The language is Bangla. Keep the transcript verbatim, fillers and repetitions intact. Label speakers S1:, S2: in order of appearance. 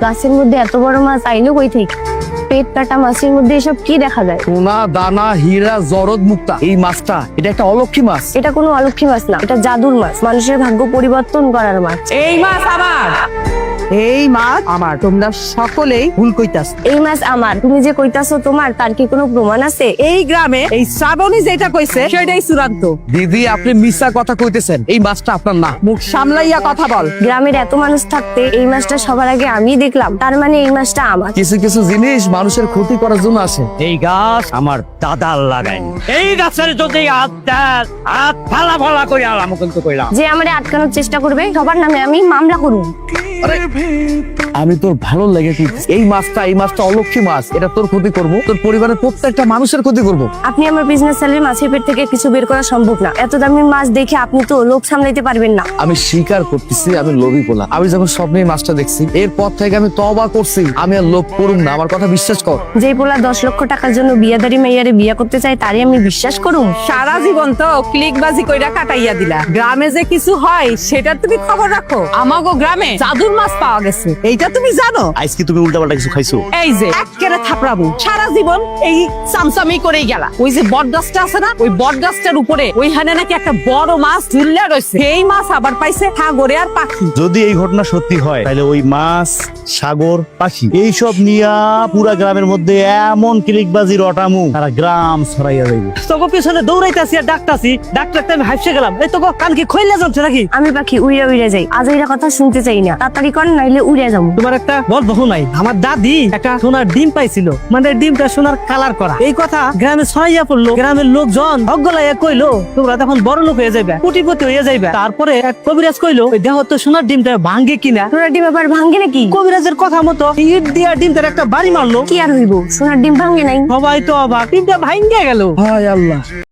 S1: গাছের মধ্যে এত বড় মাছ আইলো কই থেকে? পেট কাটা মাছের মধ্যে এসব কি দেখা যায়?
S2: সোনা দানা হীরা জরদ মুক্তা, এই মাছটা এটা একটা অলক্ষী মাছ।
S1: এটা কোনো অলক্ষী মাছ না, এটা জাদুর মাছ, মানুষের ভাগ্য পরিবর্তন করার মাছ।
S3: এই মাছ আমার, এই মাছ আমার। তোমরা সকলেই ভুল কইতাছ।
S1: এই মাছ আমার, তুমি যে কইতাছো তোমার, তার কি কোনো প্রমাণ আছে?
S3: এই গ্রামে এই শ্রাবণী যেটা কইছে সেটাই চূড়ান্ত।
S2: দিদি আপনি মিথ্যা কথা কইতেছেন, এই মাছটা আপনার না।
S3: মুখ সামলাইয়া কথা বল।
S1: গ্রামের এত মানুষ থাকতে এই মাছটা সবার আগে আমি দেখলাম, তার মানে এই মাছটা আমার।
S2: কিছু কিছু জিনিস মানুষের ক্ষতি করার জন্য আসে।
S4: এই গাছ আমার দাদার লাগাইনি। এই গাছের যদি হাত দেন, হাত ফালা ফালা করে আলাম কিন্তু কইলাম।
S1: যে আমারে আটকানোর চেষ্টা করবে সবার নামে আমি মামলা করব।
S2: আমি তোর ভালো লেগে কইতেছি, এই মাছটা এই মাছটা অলক্ষী মাছ, এটা তোর ক্ষতি করব, তোর পরিবারের প্রত্যেকটা মানুষের ক্ষতি করব।
S1: আপনি আমার বিজনেস স্যালারি মাছের পেট থেকে কিছু বের করা সম্ভব না। এত দামি মাছ দেখে আপনি তো লোভ সামলাইতে পারবেন না।
S2: আমি স্বীকার করতেছি আমি লোভী পোলা। আমি যখন স্বপ্নে এই মাছটা দেখছি, এরপর থেকে আমি তওবা করছি, আমি আর লোভ করুম না। আমার কথা বিশ্বাস কর।
S1: যেই পোলা দশ লক্ষ টাকার জন্য বিয়াদারি মেয়ারে বিয়া করতে চায়, তারই আমি বিশ্বাস করুম?
S3: সারা জীবন তো ক্লিকবাজি কইরা কাটাইয়া দিলা। গ্রামে যে কিছু হয় সেটা তুমি খবর রাখো। আমাগো গ্রামে জাদুর মাছ পাওয়া গেছে, এইটা তুমি জানো?
S4: আজকে তুমি উল্টাপাল্টা কিছু খাইছো?
S3: এই যে একেবারে থাপড়াবো, সারা জীবন এই চামচামি করেই গেলা। ওই যে বট গাছটা আছে না, ওই বট গাছটার উপরে ওইখানে নাকি একটা বড় মাছ ঝুললে রয়েছে। এই মাছ আবার পাইছে সাগরে আর পাখি।
S4: যদি এই ঘটনা সত্যি হয়, তাহলে ওই মাছ, সাগর, পাখি এইসব নিয়া পুরা গ্রামের মধ্যে এমন ক্লিকবাজি রটামু, সারা গ্রাম ছড়াইয়া যাইবে। তোকে পিছনে দৌড়াইতাছি আর ডাকতাছি, ডাক্তার আমি হাইপসে গেলাম। এই তোকে কান কি খইলা যাচ্ছে নাকি?
S1: আমি পাখি উড়ে উড়ে যাই, আজ এরা কথা শুনতে চাই না। তাড়াতাড়ি কর, নাইলে উড়ে যাবো।
S5: তোমার একটা বল বহু নাই, আমার দাদি একটা সোনার ডিম পাইছিল, মানে ডিমটা সোনার কালার করা। এই কথা গ্রামে ছড়াইয়া পড়লো। গ্রামের লোকজন অজ্ঞলাইয়া কইলো তোমরা তখন বড় লোক হয়ে যাবে, কোটিপতি হয়ে যাইবে। তারপরে এক কবিরাজ কইলো ওই দেহ তো সোনার ডিমটা ভাঙ্গে কিনা।
S1: সোনার ডিম আবার ভাঙ্গে নাকি?
S5: কবিরাজের কথা মতো ইট দিয়া ডিমটার একটা বাড়ি মারলো।
S1: কি আর হইব, সোনার ডিম ভাঙ্গে নাই।
S5: সবাই তো অবাক, ডিমটা ভাঙ্গে গেল।
S2: হায় আল্লাহ।